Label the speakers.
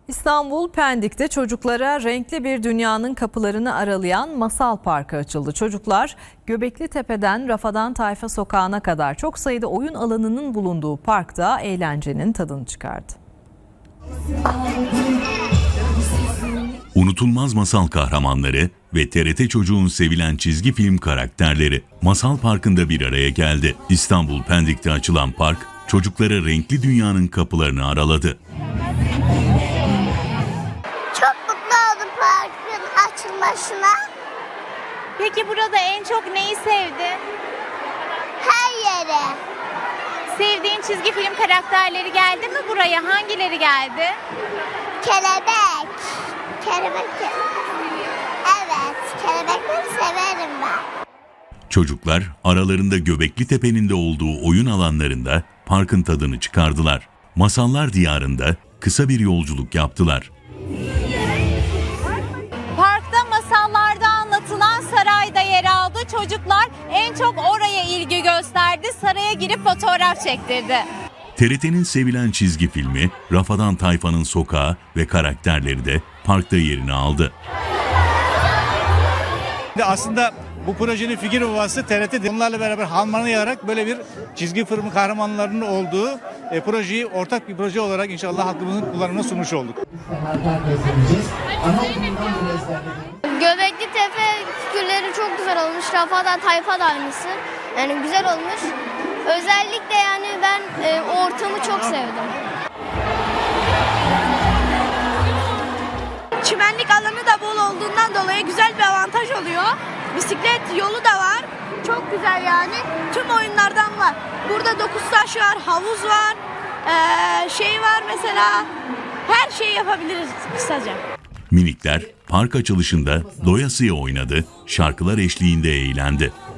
Speaker 1: İstanbul Pendik'te çocuklara renkli bir dünyanın kapılarını aralayan Masal Parkı açıldı. Çocuklar Göbekli Tepe'den Rafadan Tayfa Sokağı'na kadar çok sayıda oyun alanının bulunduğu parkta eğlencenin tadını çıkardı.
Speaker 2: Unutulmaz masal kahramanları ve TRT Çocuğun sevilen çizgi film karakterleri Masal Parkı'nda bir araya geldi. İstanbul Pendik'te açılan park, çocuklara renkli dünyanın kapılarını araladı.
Speaker 3: Çok mutlu oldum parkın açılmasına.
Speaker 4: Peki burada en çok neyi sevdin?
Speaker 3: Her yere.
Speaker 4: Sevdiğin çizgi film karakterleri geldi mi buraya? Hangileri geldi?
Speaker 3: Kelebek. Kelebek. Evet, kelebekleri severim ben.
Speaker 2: Çocuklar aralarında Göbekli Tepe'nin de olduğu oyun alanlarında parkın tadını çıkardılar. Masallar diyarında kısa bir yolculuk yaptılar.
Speaker 4: Parkta masallarda anlatılan sarayda yer aldı. Çocuklar en çok oraya ilgi gösterdi. Saraya girip fotoğraf çektirdi.
Speaker 2: TRT'nin sevilen çizgi filmi Rafadan Tayfa'nın Sokağı ve karakterleri de parkta yerini aldı.
Speaker 5: Aslında bu projenin figür babası TRT. Onlarla beraber harmanlayarak böyle bir çizgi film kahramanlarının olduğu projeyi ortak bir proje olarak inşallah halkımızın kullanımına sunmuş olduk.
Speaker 6: Göbekli Tepe figürleri çok güzel olmuş. Rafadan Tayfa da aynısı. Yani güzel olmuş. Özellikle yani ben o ortamı çok sevdim.
Speaker 7: Çimenlik alanı da bol olduğundan dolayı güzel bir avantaj oluyor. Bisiklet yolu da var. Çok güzel yani. Tüm oyunlardan var. Burada 9 taş var, havuz var, şey var mesela. Her şeyi yapabiliriz kısaca.
Speaker 2: Minikler park açılışında doyasıya oynadı, şarkılar eşliğinde eğlendi.